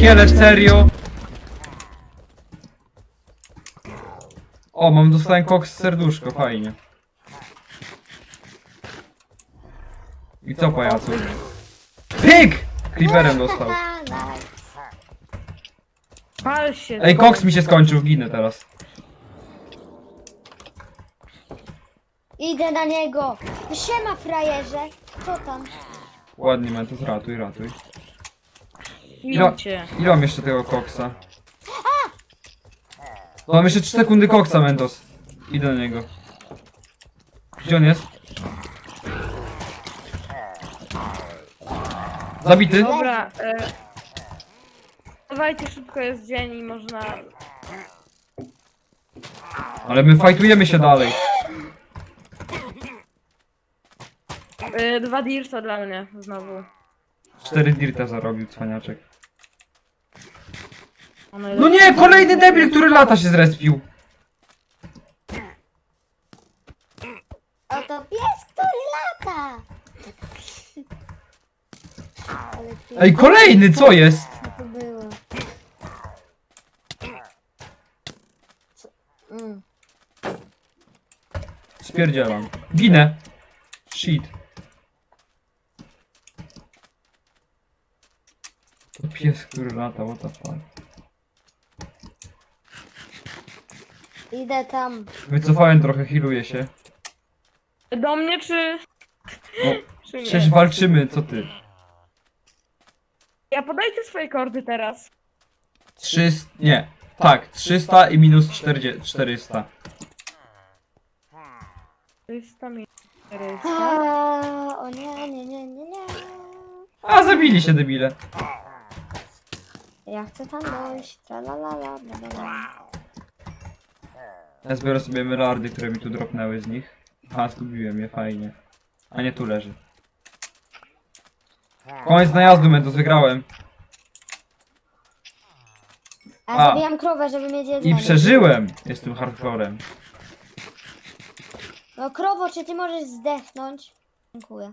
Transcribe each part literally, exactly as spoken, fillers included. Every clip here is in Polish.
pierdzielę, serio? O, mam dostałem koks serduszko, fajnie. I co, pajacu? Pyk! Creeperem dostał. Pal się. Ej, koks mi się skończył, ginę teraz. Idę na niego. Siema, frajerze. Co tam? Ładnie, Mentos, ratuj, ratuj. Ile, Idźcie. ile mam jeszcze tego koksa? To mam jeszcze trzy sekundy koksa, Mentos. Idę na niego. Gdzie on jest? Zabity? Dobra, e... dawajcie, szybko jest dzień i można... Ale my fajtujemy się dalej. E, dwa dirta dla mnie, znowu. Cztery dirta zarobił, cwaniaczek. One No nie, kolejny debil, który lata się zrespił. Oto pies, który lata. Ale ty... Ej, kolejny, co jest? Co to było? Co? Mm. Spierdzielam. Ginę. Shit. To pies, który lata, what the fuck. Idę tam. Wycofałem trochę, healuję się. Do mnie czy... No, czy nie? przecież walczymy, co ty? Ja podajcie swoje kordy teraz. trzysta, nie. Tak, trzysta i minus czterdzieści, czterysta. trzysta minut. A, o nie, nie, nie, nie, nie. A, zabili się debile. Ja chcę tam dojść. Tralalala, bla, bla, bla. Ja zbiorę sobie emeraldy, które mi tu dropnęły z nich. Aha, zgubiłem je, fajnie. A nie, tu leży. Koniec najazdu, Mentos, wygrałem. A, A. zabijam krowę, żeby mieć I jedzenie. przeżyłem! Jestem hardcorem. No krowo, czy ty możesz zdechnąć? Dziękuję.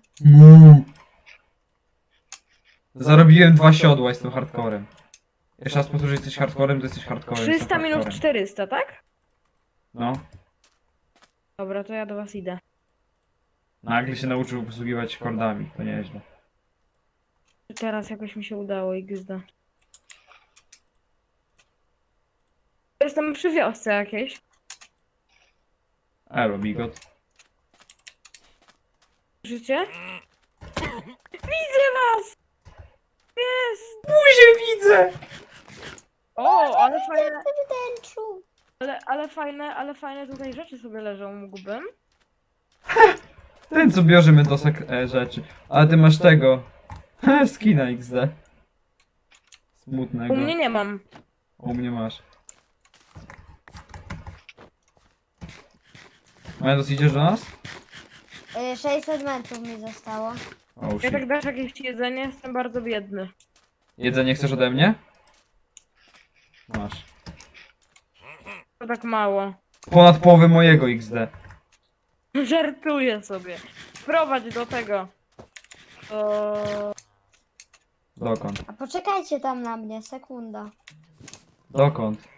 Zarobiłem dwa siodła, jestem hardcorem. Jeszcze raz powtórzę, że jesteś hardcorem, to jesteś hardcorem. jestem trzysta minut hardcorem. czterysta, tak? No. Dobra, to ja do was idę. Nagle się nauczył posługiwać kordami, to nieźle. Teraz jakoś mi się udało i gzda. Jestem przy wiosce jakiejś. Elo, bigot. Życie? Widzę was! Jest! Buzię widzę! O, ale fajne, Wnętrzu. ale, ale fajne, ale fajne tutaj rzeczy sobie leżą, mógłbym. Ten co bierze Mentosa e, rzeczy. Ale ty masz tego. Skina X D. Smutnego. U mnie nie mam. U mnie masz. Mentos, idziesz do nas? Y, sześćset metrów mi zostało. Oh, Ja shit. tak dasz jakieś jedzenie, jestem bardzo biedny. Jedzenie chcesz ode mnie? Masz. To tak mało. Ponad połowę mojego X D. Żartuję sobie. Wprowadź do tego. Do... Dokąd? A poczekajcie tam na mnie, sekunda. Dokąd?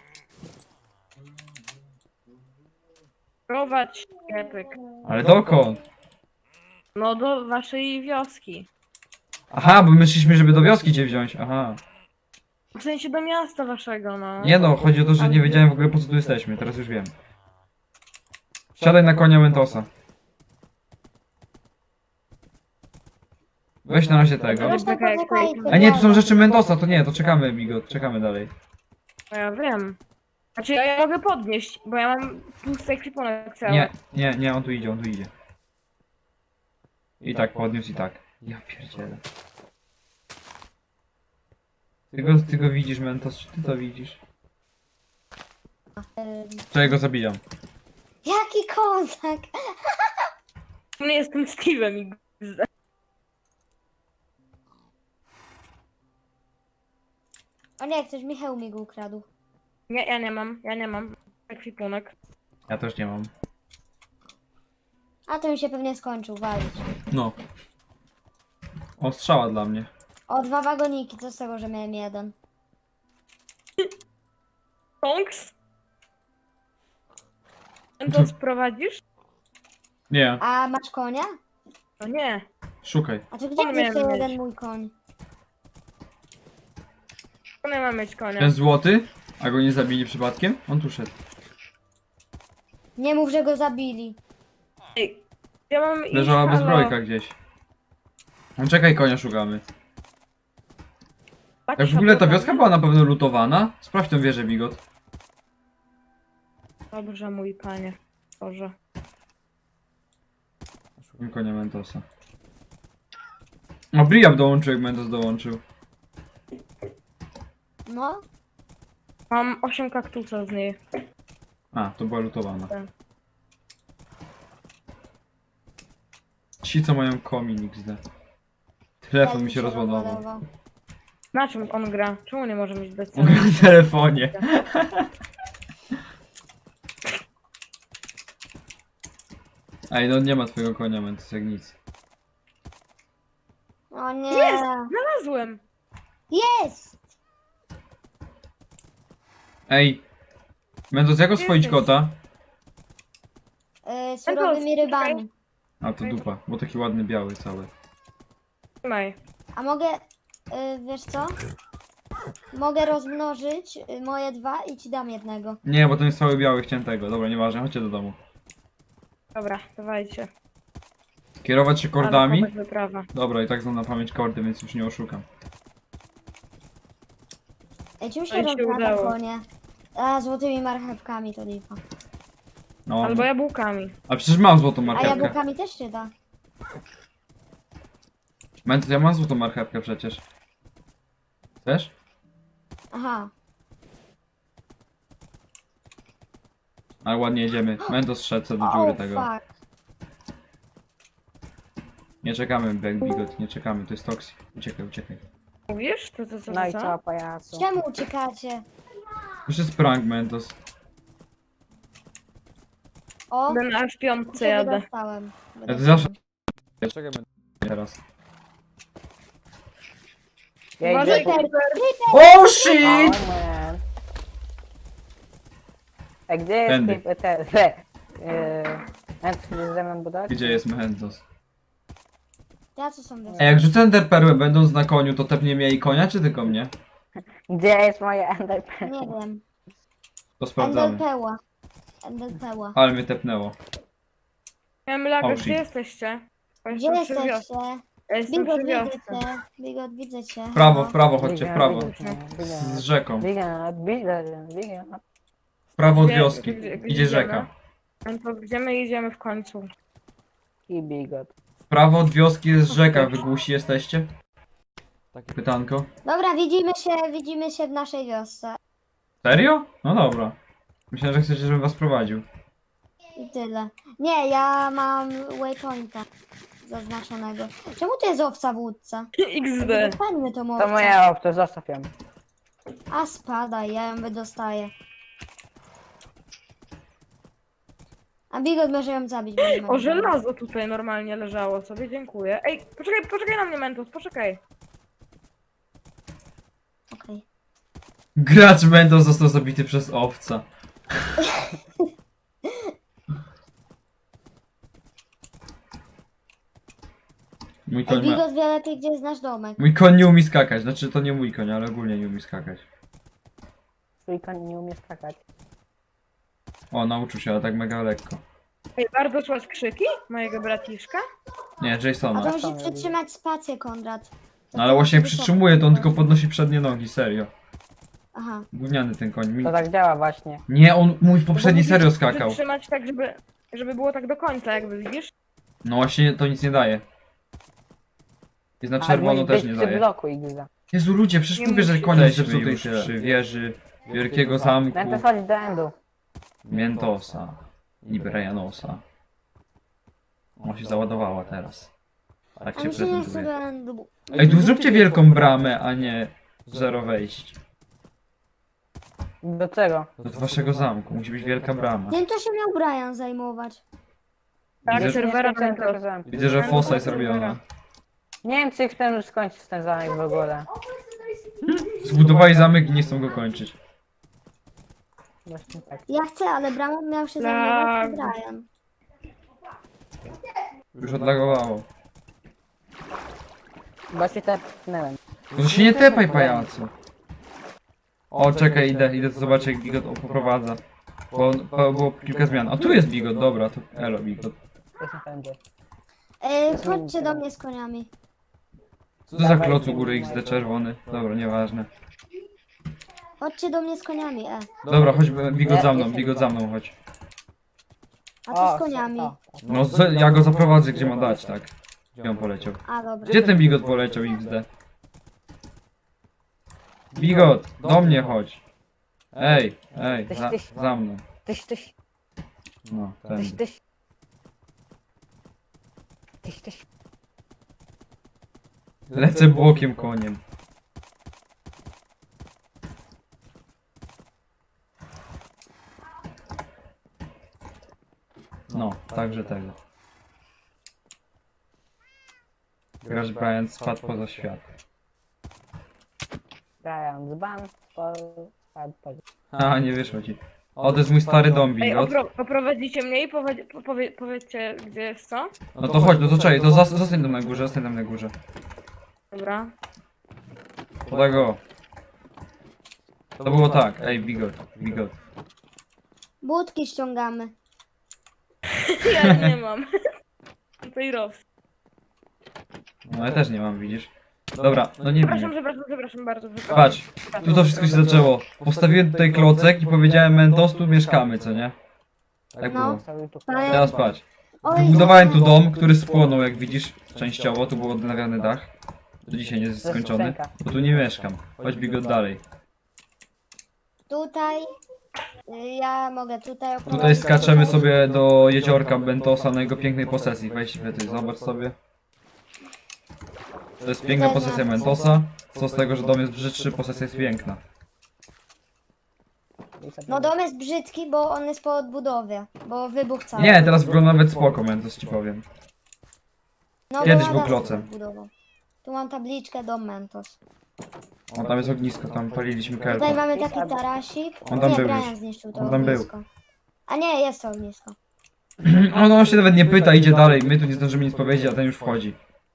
Wprowadź sklepek. Ale dokąd? No do waszej wioski. Aha, bo myśleliśmy, żeby do wioski cię wziąć. Aha. W sensie do miasta waszego, no. Nie no, chodzi o to, że nie wiedziałem w ogóle po co tu jesteśmy. Teraz już wiem. Wsiadaj na konia Mentosa. Weź na razie tego. Zresztą Czekaj, poczekajcie. jak A nie, tu są rzeczy Mentosa, to nie, to czekamy, Bigot, czekamy dalej. No ja wiem. Znaczy ja je mogę podnieść, bo ja mam tłusty ekwipunek cały. Nie, nie, nie, on tu idzie, on tu idzie. I tak podniósł i tak. Ja pierdzielę. Ty go, ty go widzisz, Mentos, czy ty to widzisz? Ym, Czego go zabijam? Jaki kozak! Nie jestem Steve'em i gzda. O nie, ktoś Michał mi go ukradł. Nie, ja nie mam, ja nie mam ekwipunek. Ja też nie mam. A to mi się pewnie skończył, walić. No. O, strzała dla mnie. O, dwa wagoniki, co z tego, że miałem jeden? Tonks? Mentos prowadzisz? Nie, A masz konia? No nie. szukaj. A to gdzie On jest jeszcze miał jeden mieć. mój koń? To nie mam mieć konia. Ten złoty? A go nie zabili przypadkiem? On tu szedł. Nie mów, że go zabili. Ej, ja mam iść, Leżała halo. bezbrojka gdzieś. No czekaj, konia szukamy. Tak Jak w ogóle ta szapotami? wioska była na pewno lutowana? Sprawdź tą wieżę, Bigot. Dobrze, mój panie. Boże. Szukam konia Mentosa. O, Briab dołączył, jak Mentos dołączył. No, Mam osiem kaktusa z niej. A, to była lutowana. Tak. Ci, co mają komin X D. Telefon mi się rozładował. rozładował. Na czym on gra? Czemu nie może mieć bez On gra na telefonie. Ej, no nie ma twojego konia, Mentos, jak nic. O nie. Jest! Znalazłem! Jest! Ej! Mentos, jak oswoić Jesteś. kota? Yy, surowymi rybami. A, to dupa, bo taki ładny, biały cały. Trzymaj. A mogę, yy, wiesz co? Mogę rozmnożyć yy, moje dwa i ci dam jednego. Nie, bo ten jest cały biały, chciałem tego. Dobra, nieważne, chodźcie do domu. Dobra, dawajcie. Kierować się Ale kordami? chłopak wyprawa. Dobra, i tak znam na pamięć kordy, więc już nie oszukam. Ej, czym Oj, się się rozmnaża udało. konie? A, złotymi marchewkami to lipa. No, Albo jabłkami. a przecież mam złotą A marchewkę. jabłkami też się da. Mentos, ja mam złotą marchewkę przecież. Chcesz? Aha. Ale ładnie jedziemy. Mentos szedł co do dziury O, tego. fuck. Nie czekamy, Black Bigot, nie czekamy, to jest toksik. Uciekaj, uciekaj. Mówisz? To co, co, No i co? co, pajacu? Czemu uciekacie? Już jest prank, Mentos. O, Będę aż w piątce się jadę. wydostałem. Ja to zawsze... Ja czekaj, będę teraz. Ja Uważaj, idę po... Creeper. Oh O, shit! man. A gdzie jest Tędy. te... te... te... Yy... Chętnie ze mną budować? Gdzie jest Mentos? Ja co są A wysoko? jak rzucę enderperłę będąc na koniu, to tepnie mnie i konia, czy tylko mnie? Gdzie jest moje enderpearl? Nie wiem. To sprawdzamy. Endelpeła. Endelpeła. Ale mnie tepnęło. Miałem laga, Oh, gdzie shit. jesteście? Bo Gdzie jestem przy wiosce. jesteście? Ja jestem Bigot, przy widzę wiosce. cię. Bigot, widzę cię. W prawo, Halo. w prawo, chodźcie, w prawo. Biga, Z rzeką. biga, biga, biga. W prawo od Gdzie- wioski. gdzie- gdzie Idzie idziemy? rzeka. No to gdzie my idziemy w końcu? I bigot. W prawo od wioski jest rzeka, wy głusi jesteście? Takie pytanko. Dobra, widzimy się, widzimy się w naszej wiosce. Serio? No dobra. Myślałem, że chcecie, żebym was prowadził. I tyle. Nie, ja mam waypointa zaznaczonego. Czemu to jest owca w łódce? iks de. Wypadnie to To owca. moja opcja, zostaw ją. A spadaj, ja ją wydostaję. A Bigot może ją zabić. bo nie ma O, broni. żelazo tutaj normalnie leżało sobie, dziękuję. Ej, poczekaj, poczekaj na mnie, Mentos, poczekaj. Okej. Gracz Mentos został zabity przez owca. Mój Ej, koń, ma... Bigot wie lepiej, gdzie jest nasz domek. mój koń nie umie skakać. Znaczy to nie mój koń, ale ogólnie nie umie skakać. Twój koń nie umie skakać. O, nauczył się, ale tak mega lekko. Ej, bardzo słychać krzyki mojego braciszka. Nie, A to Jasona. musisz tam przytrzymać spację, Konrad. To No ale ty właśnie jak wysoko. przytrzymuje, to on tylko podnosi przednie nogi, serio. Aha. Gówniany ten koń. Mi... To tak działa właśnie. Nie, on mój w poprzedniej Bo serio musisz skakał. Przytrzymać tak, żeby, żeby było tak do końca, jakby widzisz. No właśnie to nic nie daje. Jest na czerwono musi też być nie przy daje. bloku Igza. Jezu ludzie, przecież Nie mówię, że musi konie być. zepsuty już przy wieży Wielkiego Zamku Będę chodzić do endu. Miętosa i Brianosa. Ona się załadowała teraz. Tak A się mi się nie chce prezentuje. do endu. Ej, tu zróbcie wielką bramę, a nie zero wejść. Do czego? Do waszego zamku, musi być wielka brama. Tym to się miał Brian zajmować. Tak, Widzę- serwera Nie skończyłem Mentos. tego zamku. Widzę, że fosa jest robiona. Nie wiem, czy chcę skończyć ten zamek w ogóle. Zbudowali zamek i nie chcą go kończyć. Właśnie tak. Ja chcę, ale bramą miał się Lag. zajmować Brian. Już odlagowało. Bo się tepnęłem. Może się nie tepaj, pajacu. O, czekaj, idę, idę zobaczyć jak Bigot poprowadza. Bo, bo było kilka zmian. A tu jest Bigot, dobra, to elo Bigot. To się będzie. Ej, chodźcie do mnie z koniami. Co to za kloc u góry X D czerwony? Dobra, nieważne. Chodźcie do mnie z koniami, e. Dobra, chodź Bigot za mną, Bigot za mną, chodź. A co z koniami? o, No z, ja go zaprowadzę gdzie ma dać, tak. Gdzie on poleciał? A, dobra. Gdzie ten Bigot poleciał X D? Bigot, do mnie chodź. Ej, ej, za, za mną. Tyś, tyś, No, tyś, ten. tyś. Tyś, tyś. Lecę bokiem koniem. No, także tego. Grasz Brian spadł poza świat. Brian z ban, spadł, spadł, spadł. A, nie wyszło ci. O, to jest mój stary dom, Ej, Bigot. opro, oprowadzicie mnie i powie, powie, powiedzcie, gdzie jest co? No to chodź, no to czekaj, to zas- zostań tam na górze, zostań tam na górze. Dobra. Podaj go. To było tak, ej, Bigot, Bigot. Budki ściągamy. Ja nie mam. To i roz. No ja też nie mam, widzisz. Dobra, no nie Przepraszam, wiem. przepraszam, przepraszam bardzo. Przepraszam. Patrz, tu to wszystko się zaczęło. Postawiłem tutaj klocek i powiedziałem Mentos, tu mieszkamy, co nie? Tak No. było. Cały tu Ale- Teraz patrz. Oj, Wybudowałem tu dom, który spłonął, jak widzisz, częściowo, tu był odnawiany dach. Do dzisiaj nie jest skończony, bo tu nie mieszkam. Chodź Bigot dalej. Tutaj. y, Ja mogę tutaj oprowadzić. Tutaj skaczemy sobie do jeziorka Bentosa na jego pięknej posesji. Weź sobie tutaj, zobacz sobie. To jest piękna posesja Mentosa. Co z tego, że dom jest brzydszy, posesja jest piękna. No dom jest brzydki, bo on jest po odbudowie. Bo wybuch cały. Nie, teraz wygląda nawet spoko, Mentos ci powiem. no, bo kiedyś Adam był sobie klocem. odbudował. Tu mam tabliczkę dom Mentos. O, tam jest ognisko, tam paliliśmy Tutaj kelpa. mamy taki tarasik. On tam nie, był Brian już. zniszczył to On tam był. ognisko. A nie, jest to ognisko. On, on się nawet nie pyta, idzie dalej. My tu nie zdążymy nic powiedzieć, a ten już wchodzi.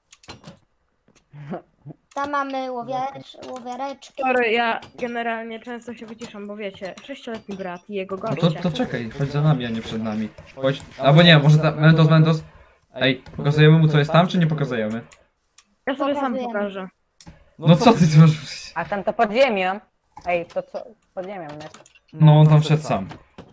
Tam mamy łowiarz, łowiareczki. Sorry, ja generalnie często się wyciszam, bo wiecie, sześcioletni brat i jego No goście. to, to czekaj, chodź za nami, a nie przed nami. Chodź. Albo nie, może ta, Mentos, Mentos. Ej, pokazujemy mu co jest tam, czy nie pokazujemy? Ja sobie sam Pokazujemy. pokażę. No co ty tu masz? A tam to pod ziemią. Ej, to co? Pod ziemią, nie? No on tam wszedł sam.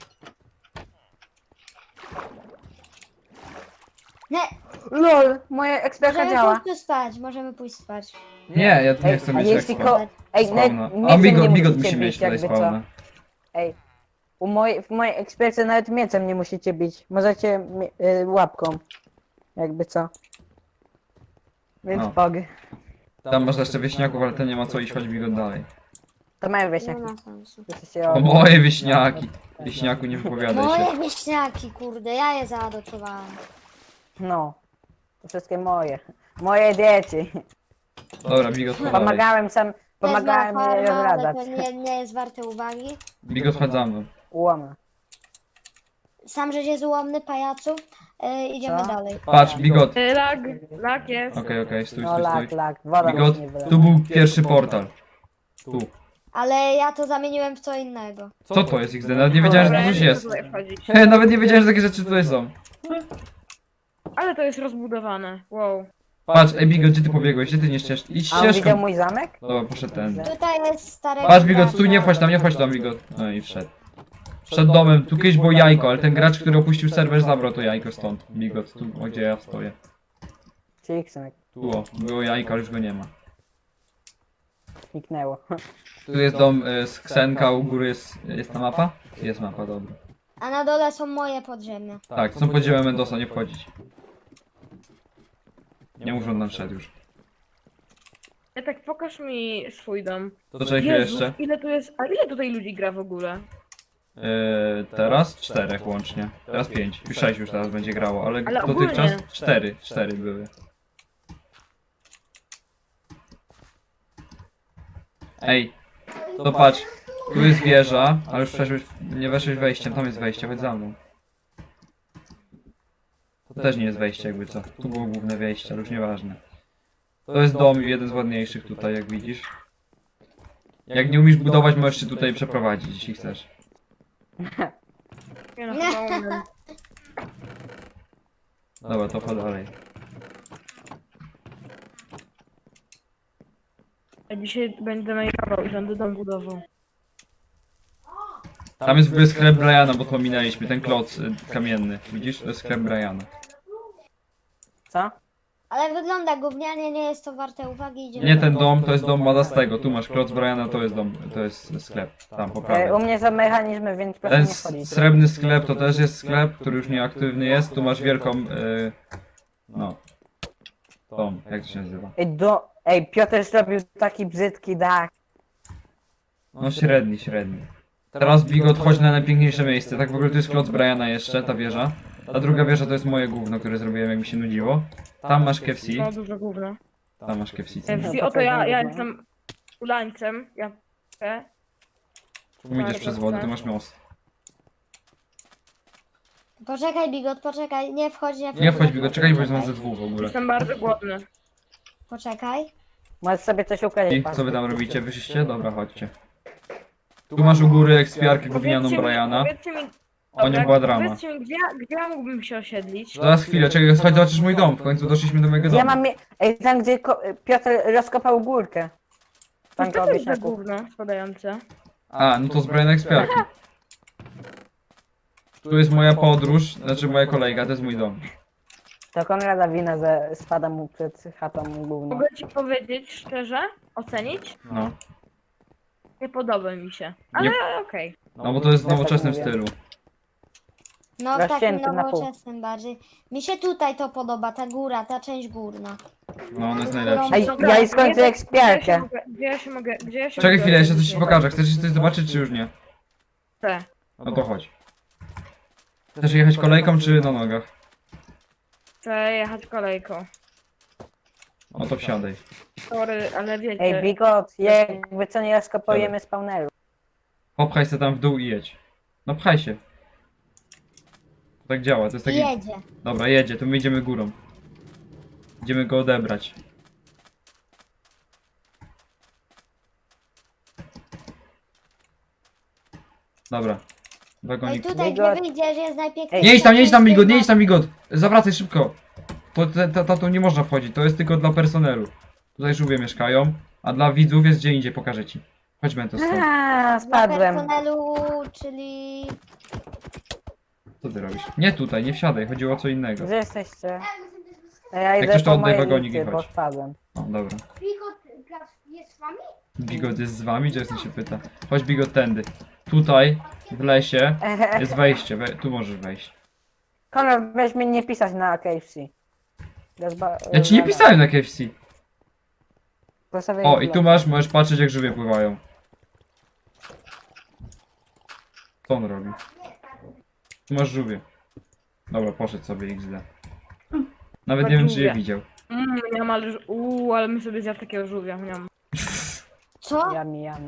Nie, LOL, moja eksperta możemy działa. pójść tu spać, możemy pójść spać. Nie, ja tu nie Ej, chcę a mieć jeśli ekspa. ko... Ej, Spawna. nawet A mieczem Bigot, nie Bigot musicie musi mieć bić, tutaj jakby co. spawna. Ej, u mojej, w mojej ekspercie nawet mieczem nie musicie bić. Możecie mi- y, łapką. Jakby co. Więc No. pog. Tam masz jeszcze wieśniaków, ale ten nie ma co iść, chodź Bigot dalej. To mają Nie wieśniaki. ma sensu. Jesteście O moje wieśniaki. Wieśniaku nie wypowiadaj się. Moje wieśniaki, kurde, ja je zaadoptowałam. No. To wszystkie moje. Moje dzieci. Dobra, Bigot chodź dalej. Pomagałem sam, pomagałem Wezmę jej farmę, ale rozradzać. to nie, nie jest warte uwagi. Bigot chodź za mną. Łoma. Sam żeś jest ułomny, pajacu. E, idziemy Co? dalej. Patrz, Bigot. Y, Lag, lag jest. Okej, okej, stój, No stój, lak, stój. lak. Woda Bigot, mi nie wylewa. tu był pierwszy portal. Tu. Ale ja to zamieniłem w co innego. Co to jest X D? Nawet nie wiedziałem, że Dobra, to ja coś nie jest. chcę tutaj wchodzić. He, nawet nie wiedziałem, że takie rzeczy tutaj są. Ale to jest rozbudowane. Wow. Patrz, ej Bigot, gdzie ty pobiegłeś? Gdzie ty nie ścież... Idź A on widział ścieżką. mój zamek? Dobra, poszedł ten. Tutaj jest stare. Patrz Bigot, tu nie wchodź tam, nie wchodź tam Bigot. No i wszedł. Przed domem, tu kiedyś było jajko, ale ten gracz, który opuścił serwer, zabrał to jajko stąd. Bigot, tu, o, gdzie ja stoję. Czyli Ksenek. Tu, o, było jajko, ale już go nie ma. Zniknęło. Tu jest dom y, z Ksenka, u góry jest, jest ta mapa? Jest mapa, dobra. A na dole są moje podziemia. Tak, są podziemia Mendoza, nie wchodzić. Nie mów, że on tam wszedł już. Ja tak pokaż mi swój dom. To czekaj chwilę Jezus, jeszcze. ile tu jest. A ile tutaj ludzi gra w ogóle? Yy, teraz czterech łącznie. Teraz pięć. Już sześć już teraz będzie grało, ale, Ale dotychczas ogólnie. cztery. Cztery były. Ej, to patrz. Tu jest wieża, ale już przeszłeś, nie weszłeś wejściem, tam jest wejście, chodź za mną. To też nie jest wejście jakby co. Tu było główne wejście, ale już nieważne. To jest dom, jeden z ładniejszych tutaj, jak widzisz. Jak nie umiesz budować, możesz się tutaj przeprowadzić, jeśli chcesz. Nie no, chyba umiem. Dobra, to chodź dalej. Ja dzisiaj będę makeował i będę dom budował. Tam jest w ogóle sklep Briana, bo to minęliśmy, ten kloc y, kamienny. Widzisz? To jest sklep Briana. Co? Ale wygląda gównianie, nie jest to warte uwagi. Idziemy Nie do ten domu. dom, to jest dom Madastego. Tu masz kloc Briana, to jest dom, to jest sklep. Tam, po E, prawej. u mnie są mechanizmy, więc proszę Ten nie s- wchodzić. srebrny sklep to też jest sklep, który już nieaktywny jest. Tu masz wielką, y, no, tą, jak to się nazywa? Ej, do... Ej, Piotr zrobił taki brzydki dach. No średni, średni. Teraz Bigot, chodź na najpiękniejsze miejsce. Tak w ogóle to jest kloc Briana jeszcze, ta wieża. Ta druga wieża to jest moje gówno, które zrobiłem jak mi się nudziło. Tam masz K F C. No dużo gówno. Tam masz K F C. co F nie? C, oto ja, ja jestem ulańcem. Ja chcę. Tu idziesz przez wodę, tu masz most. Poczekaj, Bigot, poczekaj. Nie wchodź, nie wchodź. Nie wchodź Bigot, czekaj, bo jest nas ze dwóch w ogóle. Jestem bardzo głodny. Poczekaj. Możesz sobie coś ukraść. I co wy tam robicie? Wyszliście? Dobra, chodźcie. Tu masz u góry ekspiarkę gównianą Powiedzcie mi- Briana. Powiedzcie mi, O nią dobra, była drama. Powiedzcie mi, gdzie, gdzie ja mógłbym się osiedlić? Zaraz chwilę, czekaj, chodź zobaczysz mój dom. W końcu doszliśmy do mojego Ja domu. mam... mie- Ej, tam gdzie ko... Piotr rozkopał górkę. Co Tam to koło jest za wieśniaków. gówno spadające? A, no to z Briana ekspiarki. Tu jest moja podróż, znaczy moja kolejka, to jest mój dom. To Konrada wina, że spada mu przed chatą gówno. Mogę ci powiedzieć szczerze, ocenić? No. Nie podoba mi się. Ale Nie- okej. No bo to jest w nowoczesnym stylu. No w takim Rozcięty na pół. nowoczesnym bardziej. Mi się tutaj to podoba, ta góra, ta część górna. No, on jest najlepszy. Ej, Dobra, ja i skończę gdzie- ekspiarkę. Gdzie ja się mogę, gdzie ja się Czekaj mogę chwilę, jeszcze coś ocenić? ci pokażę. Chcesz coś zobaczyć, czy już nie? Chcę. No to chodź. Chcesz jechać kolejką, czy na nogach? Chcę jechać kolejką. No to wsiadaj. Sorry, ale wiecie. Ej, Bigot, jakby co nie rozkopujemy spawneru. Popchaj się tam w dół i jedź. No pchaj się. To tak działa, to jest taki... Jedzie. Dobra, jedzie, to my idziemy górą. Idziemy go odebrać. Dobra. Ej, Wagonik. tutaj Bigot. gdzie wyjdziesz jest najpiękniejsza. Nie idź tam, nie idź tam, część Migot, nie tej idź tam, Migot! Zawracaj szybko! To, te- ta, ta, tu nie można wchodzić, to jest tylko dla personelu. Tutaj żółwie mieszkają, a dla widzów jest gdzie indziej, pokażę ci. Chodź Mentos stąd. Aaa, Dla spadłem. personelu, czyli... Co ty robisz? Nie tutaj, nie wsiadaj, chodziło o co innego. Gdzie jesteście? Ej, Ja Jak idę coś, to po oddaj moje wagonik i liście, bo chodź. spadłem. O, dobra. Bigot Plac jest z wami? Bigot jest z wami? Jason się pyta. Chodź Bigot tędy. Tutaj, w lesie, jest wejście, we, tu możesz wejść. Konrad, weź mi nie pisać na K F C. Rozba- Ja ci nie rozwala. pisałem na K F C. Proszę O, wyjść i tu masz, możesz patrzeć jak żółwie pływają. Co on robi? Tu masz żółwie. Dobra, poszedł sobie X D. Nawet nie wiem czy je Żółwie. widział. Mmm, miam, ale... Uuu, ale my sobie zjadł takiego żółwia. Miam. Co? Jami, jami.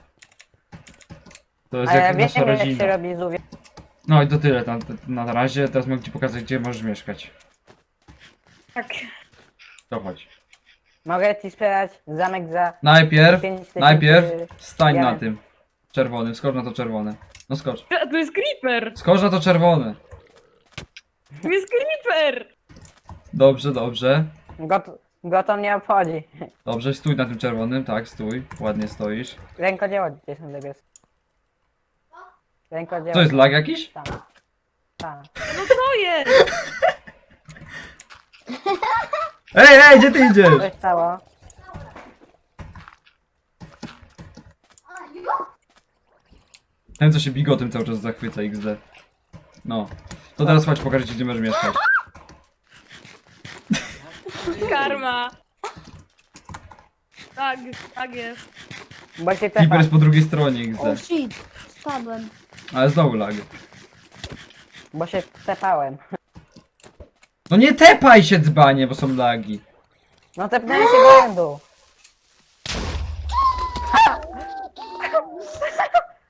To jest A ja jak wiem nasza jak się rodzina. robi żółwie. No i to tyle na, na razie. Teraz mogę ci pokazać gdzie możesz mieszkać. Tak. To chodź. Mogę ci sprzedać zamek za Najpierw, pięć tysięcy. najpierw stań na diamentów. tym. Czerwonym, skocz na to czerwone. No skocz. E, Tu jest creeper! Skocz na to czerwone. Tu jest creeper! Dobrze, dobrze. Go, to- go to nie obchodzi. Dobrze, stój na tym czerwonym, tak, stój. Ładnie stoisz. Rękodzieło gdzieś na lepiej. Rękodzieło. Co jest, lag jakiś? Tam. Tam. No co jest? Ej, ej, gdzie ty idziesz? Co się stało? Ten co się bigotem cały czas zachwyca X D. No. To teraz chodź pokażę ci gdzie możesz mieszkać. Karma! Tak, tak jest. Bo się Creeper tepa. jest po drugiej stronie X O D. shit, spadłem. Ale znowu lag. Bo się tepałem. No nie tepaj się dzbanie, bo są lagi. No tepnąłem się błędu.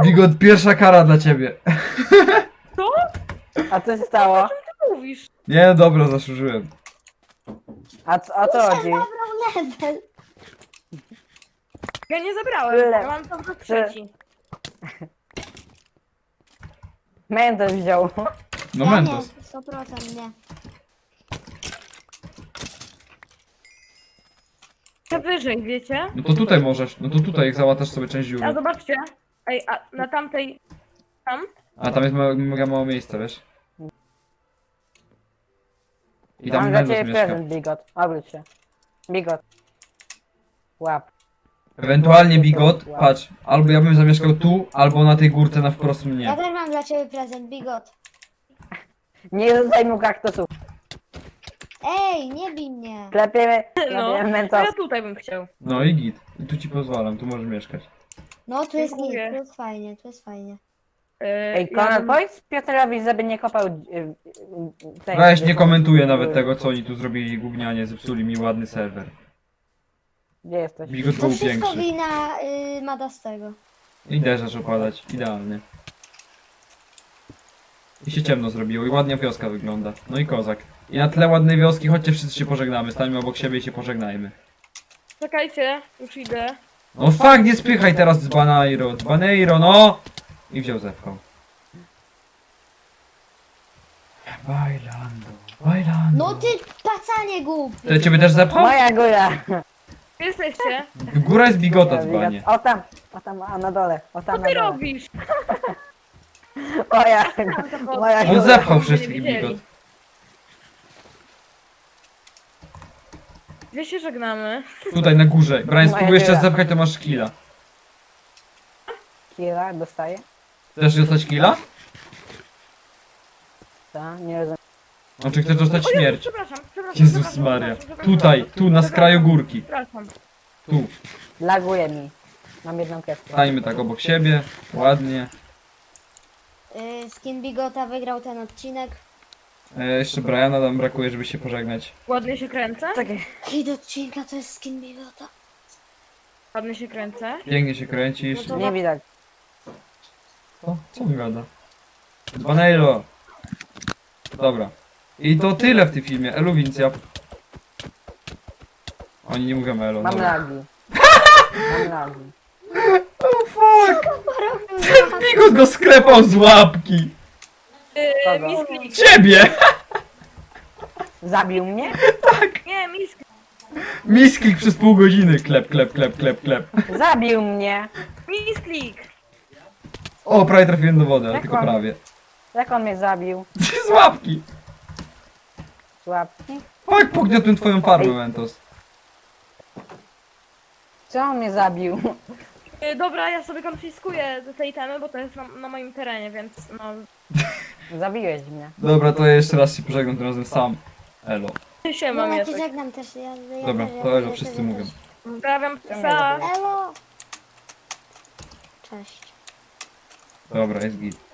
Bigot, pierwsza kara dla ciebie. A co się stało? Co mówisz? Nie, dobra, zasłużyłem. A, co- a co chodzi? Zabrał level. Ja nie zabrałem, Tyle. ja mam tam do trzeci. Mentos wziął. No ja Mentos. nie, sto procent nie. Ja wyżej, wiecie? No to tutaj możesz, no to tutaj jak załatasz sobie część A dziury. zobaczcie. Ej, a na tamtej... Tam? A tam jest ma- mega mało miejsca, wiesz? I tam Mam dla Mentos ciebie mieszka. prezent, Bigot. Obróć się. Bigot. Łap. Ewentualnie Bigot, patrz, albo ja bym zamieszkał tu, albo na tej górce na wprost Ja mnie. też mam dla ciebie prezent, Bigot. Nie rzucaj mu kaktusów. Ej, nie bij mnie. Klepiemy, No, klepiemy to Mentos. ja tutaj bym chciał. No i git. I tu ci pozwalam, tu możesz mieszkać. No, tu jest Dziękuję. git, tu jest fajnie, tu jest fajnie. Yy, Ej, ja Konrad, bym- powiedz Piotrowi, żeby nie kopał... y, y, y, tej- Weź, nie komentuję nawet tego, co oni tu zrobili gównianie, zepsuli mi ładny serwer. Gdzie jesteś? Bigot To był wszystko większy. wina y, Madastego. I deszcz opadać, idealnie. I się ciemno zrobiło i ładnie wioska wygląda. No i kozak. I na tle ładnej wioski, chodźcie wszyscy się pożegnamy, stańmy obok siebie i się pożegnajmy. Czekajcie, już idę. No fuck, nie spychaj teraz z Baneiro, z Baneiro, no! I wziął zewką. Bailando, bailando. No ty pacanie głup. To ja ciebie też zepchał? Moja góra! Gdzie jesteście? Góra jest bigota Bigot. dzbanie. O tam, o tam, a na dole, o tam Co na ty dole. robisz? Moja, moja On góra. zepchał Nie wszystkich widzieli. bigot. Gdzie się żegnamy? Tutaj na górze. Brian, Moja spróbuj jeszcze góra. zepchać, to masz killa. Kira, dostaje? Chcesz dostać killa? Co? Nie rozumiem. A czy chcesz dostać O Jezu, śmierć? przepraszam, przepraszam. Jezus przepraszam, Maria. przepraszam, przepraszam. Tutaj, tu na skraju górki. Przepraszam. Tu. Laguje mi. Mam jedną kreskę. Stańmy tak obok siebie. Ładnie. Y, skin Bigota wygrał ten odcinek. E, jeszcze Briana nam brakuje, żeby się pożegnać. Ładnie się kręcę? Czekaj. Hit odcinka to jest skin Bigota. Ładnie się kręcę. Pięknie się kręcisz. No to- Nie widać. Co? Co on gada? Baneiro. Dobra. I to tyle w tym filmie. Elu Wincjap. Oni nie mówią Elo. Mam dobra. lagi. Mam lagi. Oh fuck! Porobił Ten Bigot go sklepał z łapki! Yy, Kogo? misklik. Ciebie! Zabił mnie? Nie, misklik. Misklik przez pół godziny. Klep, klep, klep, klep, klep. Zabił mnie! Misklik. O, prawie trafiłem do wody, ale Jak tylko on? prawie. Jak on mnie zabił? Z łapki! Łapki? Fuck, pogniotłem twoją farmę, Mentos. Co on mnie zabił? Yy, dobra, ja sobie konfiskuję te itemy, bo to jest na, na moim terenie, więc no... Zabiłeś mnie. Dobra, to ja jeszcze raz się pożegnam tym razem sam. Elo. Się No mam ja ja ci tak. żegnam też. Ja, ja Dobra, też, ja to Elo też, wszyscy ja mówią. też. Pozdrawiam Czemu psa. nie Elo! Cześć. Dobra, jest git.